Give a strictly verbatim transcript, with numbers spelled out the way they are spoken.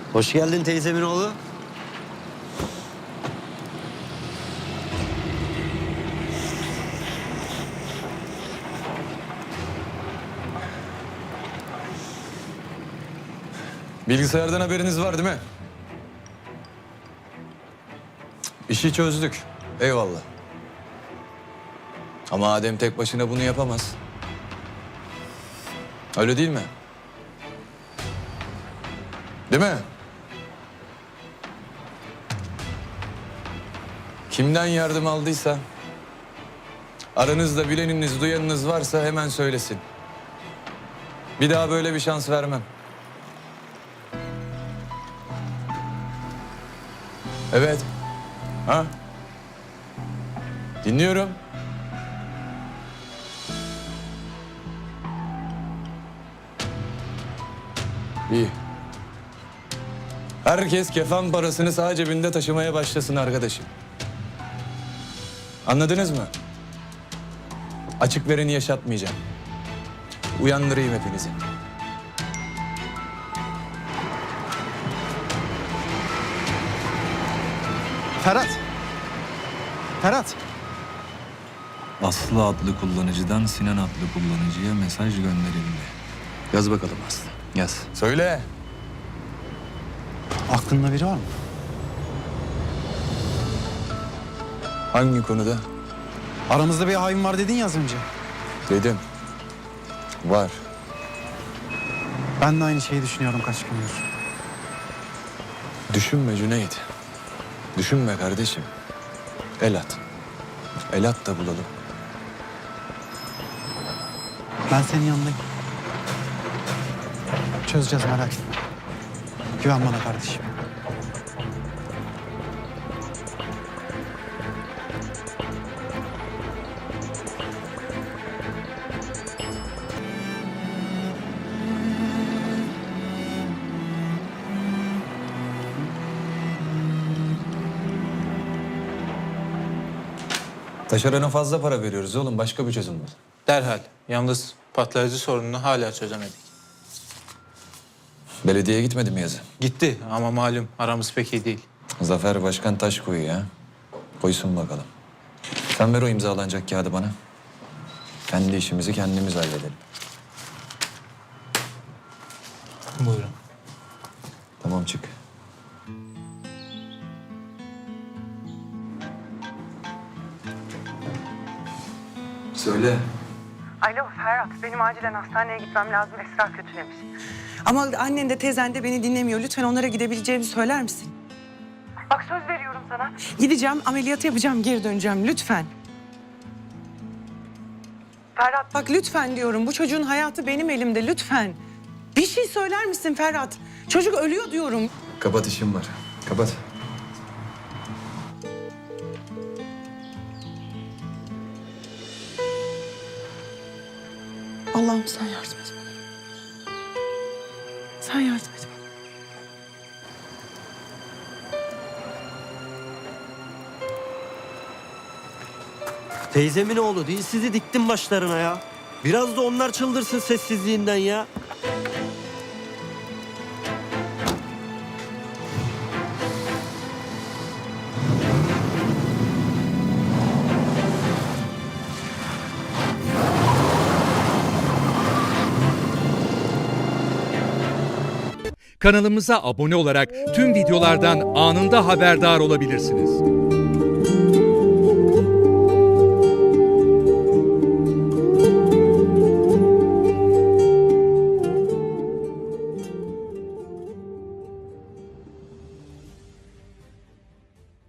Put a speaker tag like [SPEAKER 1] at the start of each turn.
[SPEAKER 1] Hoş geldin teyzemin oğlu.
[SPEAKER 2] Bilgisayardan haberiniz var değil mi? İşi çözdük. Eyvallah. Ama Adem tek başına bunu yapamaz. Öyle değil mi? Değil mi? Kimden yardım aldıysa, aranızda bileniniz, duyanınız varsa hemen söylesin. Bir daha böyle bir şans vermem. Evet. Ha? Dinliyorum. İyi. Herkes kefen parasını sağ cebinde taşımaya başlasın arkadaşım. Anladınız mı? Açık vereni yaşatmayacağım. Uyandırayım hepinizi.
[SPEAKER 3] Ferhat. Ferhat.
[SPEAKER 4] Aslı adlı kullanıcıdan Sinan adlı kullanıcıya mesaj gönderildi.
[SPEAKER 2] Yaz bakalım Aslı. Yaz. Söyle.
[SPEAKER 3] Aklında biri var mı?
[SPEAKER 2] Hangi konuda?
[SPEAKER 3] Aramızda bir hain var dedin ya az önce.
[SPEAKER 2] Dedim. Var.
[SPEAKER 3] Ben de aynı şeyi düşünüyorum kaç gündür.
[SPEAKER 2] Düşünme Cüneyt. Düşünme kardeşim. El at. El at da bulalım.
[SPEAKER 3] Ben senin yanındayım. Çözeceğiz merak etme. Güven bana kardeşim.
[SPEAKER 2] Taşerona fazla para veriyoruz oğlum. Başka bir çözüm bul.
[SPEAKER 5] Derhal. Yalnız patlayıcı sorununu hala çözemedik.
[SPEAKER 2] Belediyeye gitmedi mi yazı?
[SPEAKER 5] Gitti ama malum aramız pek iyi değil.
[SPEAKER 2] Zafer Başkan taş koyuyor ya. Koysun bakalım. Sen ver o imzalanacak kağıdı bana. Kendi işimizi kendimiz halledelim.
[SPEAKER 5] Buyurun.
[SPEAKER 2] Tamam çık. Söyle.
[SPEAKER 6] Alo Ferhat, benim acilen hastaneye gitmem lazım. Esra kötülemiş.
[SPEAKER 7] Ama annen de teyzen de beni dinlemiyor. Lütfen onlara gidebileceğimi söyler misin?
[SPEAKER 6] Bak söz veriyorum sana.
[SPEAKER 7] Gideceğim, ameliyatı yapacağım, geri döneceğim. Lütfen.
[SPEAKER 6] Ferhat,
[SPEAKER 7] Bak lütfen diyorum. Bu çocuğun hayatı benim elimde. Lütfen. Bir şey söyler misin Ferhat? Çocuk ölüyor diyorum.
[SPEAKER 2] Kapat, işim var. Kapat.
[SPEAKER 7] Allah'ım sen yardım et bana. Sen yardım et bana.
[SPEAKER 1] Teyzemin oğlu değil, sizi diktim başlarına ya. Biraz da onlar çıldırsın sessizliğinden ya.
[SPEAKER 8] Kanalımıza abone olarak tüm videolardan anında haberdar olabilirsiniz.